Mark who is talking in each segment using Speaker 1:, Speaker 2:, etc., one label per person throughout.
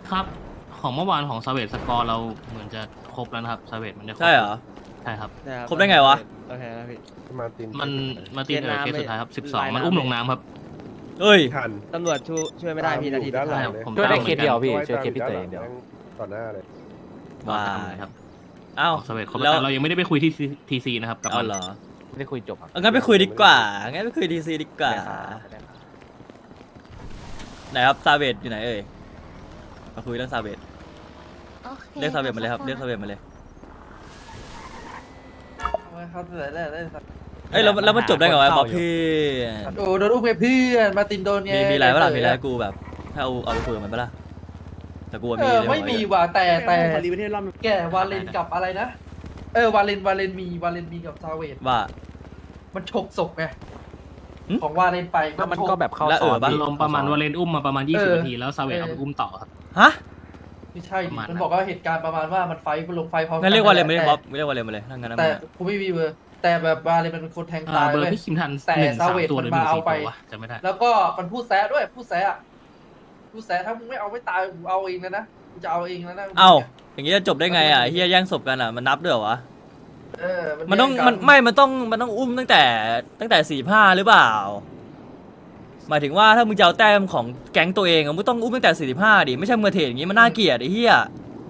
Speaker 1: ครับของเมื่อวานของซาเวตสกอร์เราเหมือนจะครบแล้วนะครับซาเวตมันได้ครบ
Speaker 2: ใช่เหรอ
Speaker 1: ใช่ครับ
Speaker 2: ครบได้ไงวะ
Speaker 3: โอเคครับพี่
Speaker 4: มาติน
Speaker 1: มันมาตีเคสสุดท้ายครับ12มัน
Speaker 3: ลายน้ำ
Speaker 1: อุ้มลงน้ำครับ
Speaker 2: เอ้ย
Speaker 4: ทัน
Speaker 3: ตำรวจช่วยไม่ได้พี่นาที
Speaker 4: ด้านหลัง
Speaker 1: ใช่
Speaker 4: เลย
Speaker 1: ผม
Speaker 5: ช่วยได้
Speaker 1: ตาม
Speaker 5: เคสเดียวพี่
Speaker 4: ว่าย
Speaker 5: ช่วย
Speaker 4: ตาม
Speaker 5: เคสพี่เตยอย่างเดียว
Speaker 4: แม่งต่อหน้าเลย
Speaker 1: ตาม
Speaker 2: ว้า
Speaker 1: เหมือนกันครับ
Speaker 2: เอ้า
Speaker 1: ของซาเวตครบ
Speaker 2: แล้
Speaker 1: แล้ว วเรายังไม่ได้ไปคุยที่ทีซีนะครับกับ
Speaker 2: เอา
Speaker 1: มัน
Speaker 2: เหรอ
Speaker 5: ไม่ได้คุยจบครับ
Speaker 2: เอางั้นไปคุยดีกว่างั้นไปคุยดีซีดีกว่า
Speaker 5: ได้ครับได้ครับ
Speaker 2: ไหนครับซาเวตอยู่ไหนเอ่ยมาคุยเรื่องซาเวต
Speaker 6: โอเค
Speaker 2: เรียกซาเวตมาเลยครับ
Speaker 6: สัก
Speaker 2: เรียกซาเวตมาเลย
Speaker 7: เขาได้ครับ
Speaker 2: เอ้ยแล้วมันจบได้ไงวะบอกพี่
Speaker 7: โอ้โดนอุ้มไปเพื่อนมาตินโดนไง
Speaker 2: มีอะไรเปล่ามีอะไรให้กูแบบถ้าเอาไปคุยกับมันเปล่าแต่กูว่ามีเลย
Speaker 7: ไม่มี
Speaker 2: วะ
Speaker 7: ว่ะแต่
Speaker 3: รีประเทศรอบ
Speaker 7: แกวาเลนกับอะไรนะวาเลนมีกับซาเวต
Speaker 2: ว่า
Speaker 7: มันฉกศพไง
Speaker 2: หึ
Speaker 7: ของวาเลนไป
Speaker 5: แล้วมันก็แบบเข้า
Speaker 2: แล้ว
Speaker 5: ซอย
Speaker 2: ปะ
Speaker 1: อารมณ์ประมาณวาเลนอุ้มมาประมาณ20นาทีแล้วซาเวตเอาไปอุ้มต่อครับ
Speaker 2: ฮะ
Speaker 7: ไม่ใช่ดิ
Speaker 1: ประมาณนั้น
Speaker 7: มันบอกว่าเหตุการณ์ประมาณว่ามันไฟลงไฟพร้อม
Speaker 2: งั้นเรียกว่าอะไรไม่
Speaker 7: แต่
Speaker 2: ได้บ๊อบไม่เรียกว่าอะไรมาเลยถ้างั้นนะ
Speaker 7: แต่
Speaker 2: มึงอะ
Speaker 7: กูไม่มีเบอร์แต่แบบวาเลนมันเป็นคนแทงตาย
Speaker 1: เบอร์
Speaker 7: ว้ย
Speaker 1: พี่คิมทัน
Speaker 7: แต่
Speaker 1: 1
Speaker 7: ซาเวต
Speaker 1: 3ตัวห
Speaker 7: มั
Speaker 1: รื
Speaker 7: น
Speaker 1: อ
Speaker 7: มา
Speaker 1: 1
Speaker 7: เอา
Speaker 1: 4
Speaker 7: ไป
Speaker 1: ตัววะจำไม่ได้
Speaker 7: แล้วก็มันพูดแซะด้วยพูดแซะถ้ามึงไม่เอาไม่ตายกูเอาเองนะกูจะเอาเองแล้วนะ
Speaker 2: เอ้าอย่างงี้จะจบได้ไงอ่ะเฮียแย่งศพกันอ่ะมันนับด้วยเหรอวะ มันต้อง
Speaker 7: แย่กั
Speaker 2: มันต้องอุ้มตั้งแต่45หรือเปล่า หมายถึงว่าถ้ามึงจะเอาแต้มของแก๊งตัวเองอะมึงต้องอุ้มตั้งแต่45ดิไม่ใช่มือเทรดอย่างงี้มันน่าเกลียดไอ้เหี้ย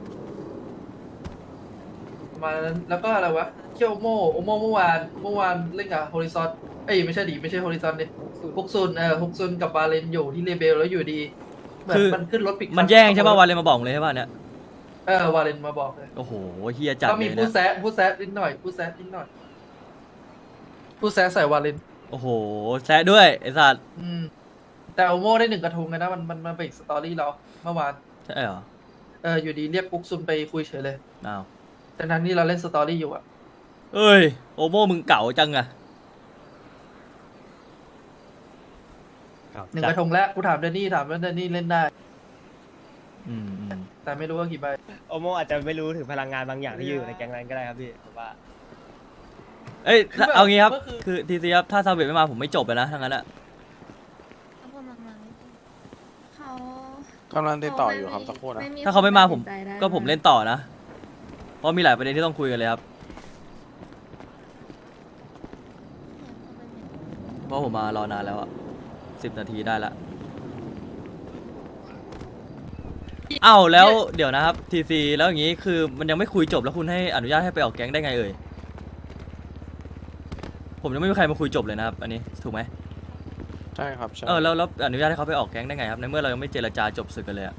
Speaker 7: ประมาณนั้นแล้วก็อะไรวะเคียวโมเมื่อวานเล่นกับโฮริซอนไม่ใช่ดิไม่ใช่โฮริซอนดิฮุกซุนกับบาเลนอยู่ที่เลเบลแล้วอยู่ดีเหมือนมันขึ้นรถปิก
Speaker 2: มันแย่งใช่ป่ะวันเลยมาบอกเลยใช่ป่ะเนี่ยว
Speaker 7: าเลนมาบอกเลย
Speaker 2: โอ้โหเหี้ยจัด
Speaker 7: ก็
Speaker 2: เล
Speaker 7: มี
Speaker 2: ย
Speaker 7: ผู้
Speaker 2: นะ
Speaker 7: แซะนิดหน่อยผู้แซะใส่วาเลน
Speaker 2: โอ้โหแซะด้วยไอ้สัตว์
Speaker 7: แต่โอโมได้1 กระทงเลยนะมันเป็นอีกสตอรี่เราเมื่อวาน
Speaker 2: ใช่เหรอ
Speaker 7: อยู่ดีเรียกฮุกซุนไปคุยเฉยเลย
Speaker 2: อ้าว
Speaker 7: แต่นั้นที่เราเล่นสตอรี่อยู่อะ
Speaker 2: เอ้ยโอโมมึงเก่าจังอะ
Speaker 7: 1 กระทงแล้วกูถามเดนนี่ว่าเดนนี่เล่นได้
Speaker 2: อืม
Speaker 7: แต่ไม่รู้ว่ากี่ใบ
Speaker 3: โอโมอาจจะไม่รู้ถึงพลังงานบางอย่างที่อยู่ในแก๊งนั้นก็ได้ครับพี่ผมว่า
Speaker 2: เอ้ย
Speaker 7: คือแบบ
Speaker 2: เอางี้ครับ
Speaker 7: ก็คือ
Speaker 2: คือทีซีครับถ้าซาเวตไม่มาผมไม่จบเลยนะทั้งนั้นอะ
Speaker 6: เขากำลังมาเขา
Speaker 8: กำลังติดต่ออยู่ครับสักครู่นะ
Speaker 2: ถ้าเขาไม่มาผม
Speaker 6: ตัดสินใจได้
Speaker 2: ก็ผมเล่นต่อนะเพราะมีหลายประเด็นที่ต้องคุยกันเลยครับเพราะผมมารอนานแล้วอะ10 นาทีได้ละเอ้าแล้วเดี๋ยวนะครับทีซีแล้วอย่างงี้คือมันยังไม่คุยจบแล้วคุณให้อนุญาตให้ไปออกแก๊งได้ไงเอ่ยผมยังไม่มีใครมาคุยจบเลยนะครับอันนี้ถูกไหม
Speaker 8: ใช่ครับใช่
Speaker 2: แล้วอนุญาตให้เขาไปออกแก๊งได้ไงครับในเมื่อเรายังไม่เจรจาจบศึกกันเลยอะ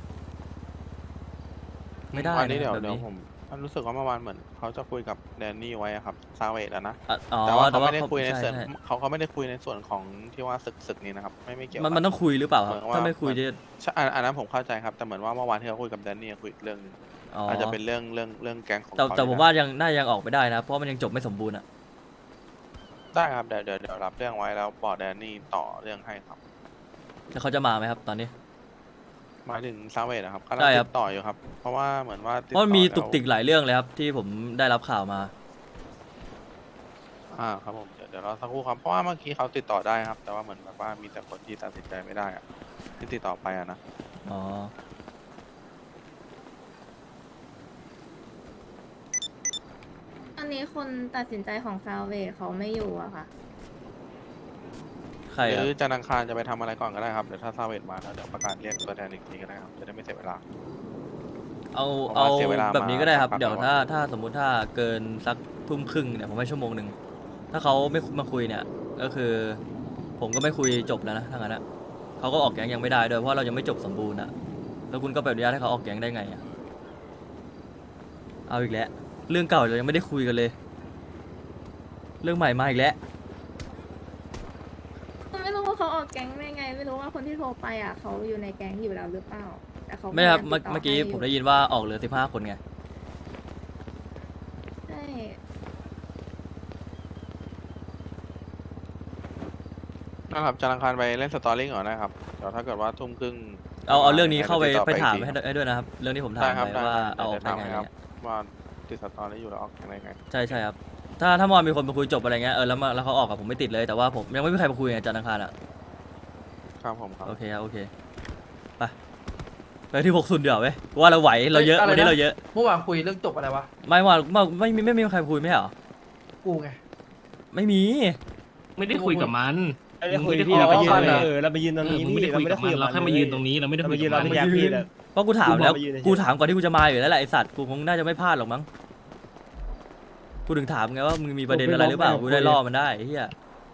Speaker 2: ไม่ได้
Speaker 8: อันนี้
Speaker 2: นะ
Speaker 8: เดี๋ยว
Speaker 2: แบบ
Speaker 8: เดี๋ยว
Speaker 2: นี้
Speaker 8: ผมรู้สึกว่าเมื่อวานเหมือนเขาจะคุยกับแดนนี่ไว้อะครับซาเวตอะนะ
Speaker 2: อ๋อ
Speaker 8: แต่ว่าเขาไม่ได้
Speaker 2: เขา
Speaker 8: คุยในส่วน
Speaker 2: ใช่
Speaker 8: เขาไม่ได้คุยในส่วนของที่ว่าศึกนี้นะครับไม่เกี่ยว
Speaker 2: มันต้องคุยหรือเปล่าครับ
Speaker 8: เหมือนว่า
Speaker 2: ถ้าไม่คุยจะ
Speaker 8: ใช่อันนั้นผมเข้าใจครับแต่เหมือนว่าเมื่อวานที่เขาคุยกับแดนนี่คุยเรื่องนึง
Speaker 2: อ๋อ
Speaker 8: อาจจะเป็นเรื่องแก๊งของ
Speaker 2: แต่
Speaker 8: เขา
Speaker 2: แต่ผม
Speaker 8: นี่แหละ
Speaker 2: ว่ายังน่ายังออกไม่ได้นะเพราะมันยังจบไม่สมบูรณ์อะ
Speaker 8: ได้ครับเดี๋ยวรับเรื่องไว้แล้วบอกแดนนี่ต่อเรื่องให้ครับ
Speaker 2: แล้วเขาจะมาไหมครับตอนนี้
Speaker 8: หมายถึงซาเวตนะครับกำลัง
Speaker 2: ใช่ครับ
Speaker 8: ติดต่ออยู่ครับเพราะว่าเหมือนว่า
Speaker 2: เพราะมันมี
Speaker 8: แล้ว
Speaker 2: ตุกติกหลายเรื่องเลยครับที่ผมได้รับข่าวมา
Speaker 8: ครับผมเดี๋ยวรอสักครู่ครับเพราะว่าเมื่อกี้เขาติดต่อได้ครับ แต่ว่าเหมือนแบบว่ามีแต่คนที่ตัดสินใจไม่ได้อะที่ติดต่อไปอะนะ
Speaker 2: อ๋อ
Speaker 6: อันนี้คนตัดสินใจของซาเวทเขาไม่อยู่อะค่ะ
Speaker 2: ใคร
Speaker 8: ห
Speaker 2: ค
Speaker 8: รื
Speaker 2: รับ
Speaker 8: อจันทร์อังคารจะไปทำอะไรก่อนก็ได้ครับเดี๋ยวถ้าซาเวตมาแล้วเดี๋ยวประกาศเรียกตัวแทนอีกทีก็ได้ครับจะได้ไม่เสียเวลา
Speaker 2: เอา
Speaker 8: ผม
Speaker 2: เอา
Speaker 8: ว่าเสียเวลา
Speaker 2: แบบนี้ก็ได้ครับ
Speaker 8: มา
Speaker 2: เดี๋ยว
Speaker 8: สักพัก
Speaker 2: ถ้าสมมุติถ้าเกินสักทุ่มครึ่งเนี่ยผมให้ชั่วโมงหนึ่งถ้าเขาไม่มาคุยเนี่ยก็คือ ผมก็ไม่คุยจบแล้วนะถ้างั้นอะเขาก็ออกแก๊งยังไม่ได้ด้วยเพราะเรายังไม่จบสมบูรณ์อะแล้วคุณก็ไปอนุญาตให้เขาออกแก๊งได้ไงอะเอาอีกแล้วเรื่องเก่าเรายังไม่ได้คุยกันเลย เรื่องใหม่มาอีกแล้ว
Speaker 6: ไม่รู้ว่าเขาออกแก๊งได้ไง ไม่รู้ว่าคนที่โทรไปอะเขาอยู่ในแก๊งอยู่แล้วหรือเปล่า แต่เขา
Speaker 2: ไม่ครับ
Speaker 6: พยายา
Speaker 2: เมื่อ
Speaker 6: ติดต่
Speaker 2: เมื่อกี้
Speaker 6: ให้
Speaker 2: ผมได้ยินว่าออกเหลือ15 คนไง
Speaker 6: ใช่
Speaker 8: นะครับจันทร์อังคารไปเล่นสตอรี่ก่อนนะครับเดี๋ยวถ้าเกิดว่าทุ่มครึ่ง
Speaker 2: เอาเรื่องนี้เข้าไป
Speaker 8: ดี๋ยวติดต่อ
Speaker 2: ไปถาม
Speaker 8: อีกที
Speaker 2: ให้ด้วยนะครับ เรื่องที่ผมถา
Speaker 8: ได้
Speaker 2: ม
Speaker 8: ครับ
Speaker 2: ไป
Speaker 8: ได้
Speaker 2: ว่า
Speaker 8: ครับ
Speaker 2: เอาออก
Speaker 8: เดี๋
Speaker 2: ได้
Speaker 8: ยว
Speaker 2: ไง
Speaker 8: ถาม
Speaker 2: อะไร
Speaker 8: ครับ
Speaker 2: เงี้ย
Speaker 8: ว่าติดสตอรี่อยู่แล้วออกยังไงไง
Speaker 2: ใช่ครับถ้าเมื่อวานมีคนมาคุยจบอะไรเงี้ยแล้วเขาออกกับผมไม่ติดเลยแต่ว่าผมยังไม่มีใครมาคุยไงจันทร์อังคารอะ
Speaker 8: ครับผมครับ
Speaker 2: โอเคครับโอเคไปไปที่6ซุนเดี๋ยวเว้ยกูว่าเราไหวเราเยอะ
Speaker 7: เอ้ยอะไรนะ
Speaker 2: วันนี้เราเยอะ
Speaker 7: เมื่อวานคุยเรื่องจบอะไรวะ
Speaker 2: ไม่มีใครคุยไม่ใช่เหรอ
Speaker 7: กูไง
Speaker 2: ไม่มี
Speaker 1: ไม่ได้คุยกับมัน
Speaker 3: ไม่ได้คุย
Speaker 1: มึง
Speaker 3: พี่เราไปยืน
Speaker 7: คุยกับมัน
Speaker 3: เราไปยืนตรงนี้
Speaker 1: มึงไม่ได้
Speaker 3: เรา
Speaker 1: คุย
Speaker 3: ไม่
Speaker 1: กั
Speaker 3: ได้
Speaker 1: บ
Speaker 3: คุ
Speaker 1: มั
Speaker 3: ย
Speaker 1: น
Speaker 3: กับ
Speaker 1: เราแค่มายืนตรงนี้เราไม่ได้
Speaker 3: เรา
Speaker 1: คุ
Speaker 3: ไป
Speaker 1: ย
Speaker 3: ยื
Speaker 1: กัน บ
Speaker 3: เรา
Speaker 1: มัน
Speaker 3: ไม่แยกพี่เลย
Speaker 2: เพราะกูถามแล้ว
Speaker 3: กูบอกไปยืนเฉยๆ
Speaker 2: กูถามก่อนที่กูจะมาอยู่แล้วแหละไอสัตว์กูคงน่าจะไม่พลาดหรอกมั้งกูถึงถามไงว่ามึงมีประเด็นอะไรหรือเปล่ากูได้ล่อมันได้ไอ้เหี้ย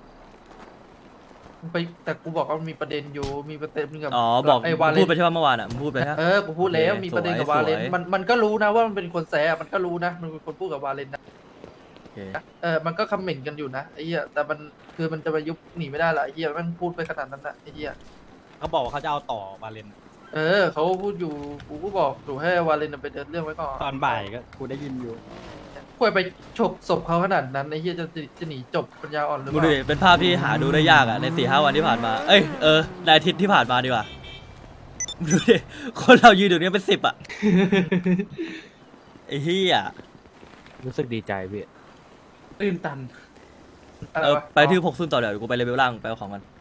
Speaker 7: ไปแต่กูบอกว่ามันมีประเด็นอยู่มีประเด็นกับ
Speaker 2: อ๋อบอก
Speaker 7: ไอ้วาเล
Speaker 2: พูด
Speaker 7: น
Speaker 2: ไปใช่ไหมเมื่อวานอ่ะมึงพูดไปฮะ
Speaker 7: กูพูดแล้ว
Speaker 2: โอเค
Speaker 7: มีประเด็นกับ
Speaker 2: สวย
Speaker 7: วาเลน
Speaker 2: สวย
Speaker 7: มันก็รู้นะว่ามันเป็นคนแสบมันก็รู้นะมันเป็นคนพูดกับวาเลนนะ
Speaker 2: โอเค
Speaker 7: มันก็คอมเมนต์กันอยู่นะไอ้เหี้ยแต่มันคือมันจะมายุบหนีไม่ได้ละไอ้เหี้ยมันพูดไปขนาดนั้นนะไอ้เหี้ย
Speaker 4: เขาบอกว่าเขาจะเอาต่อวาเลน
Speaker 7: เขาพูดอยู่กูก็บอกดูให้วาเลนไปเดินเรื่องไว้ก่อน
Speaker 4: ตอนบ่ายก็กูได้ยินอยู่
Speaker 7: ควรไปฉกศพเขาขนาดนั้นไอ้เหี้ยจะหนีจบปัญญาอ่อนหรือ
Speaker 2: มึง
Speaker 7: เป
Speaker 2: ดู
Speaker 7: ล่า
Speaker 2: ดิเป็นภาพที่หาดูได้ยากอ่ะใน4-5 วันที่ผ่านมาเอ้ยในอาทิตย์ที่ผ่านมาดีกว่ามึงดูดิคนเรายืนอยู่เนี่ยเป็น10อ่ะไอ้เหี้ย
Speaker 5: รู้สึกดีใจพี่
Speaker 7: ตื่นตันอะไรวะ
Speaker 2: ไปที่6ซุนต่อเดี๋ยวกูไปเลเวลล่างไปเอาของกัน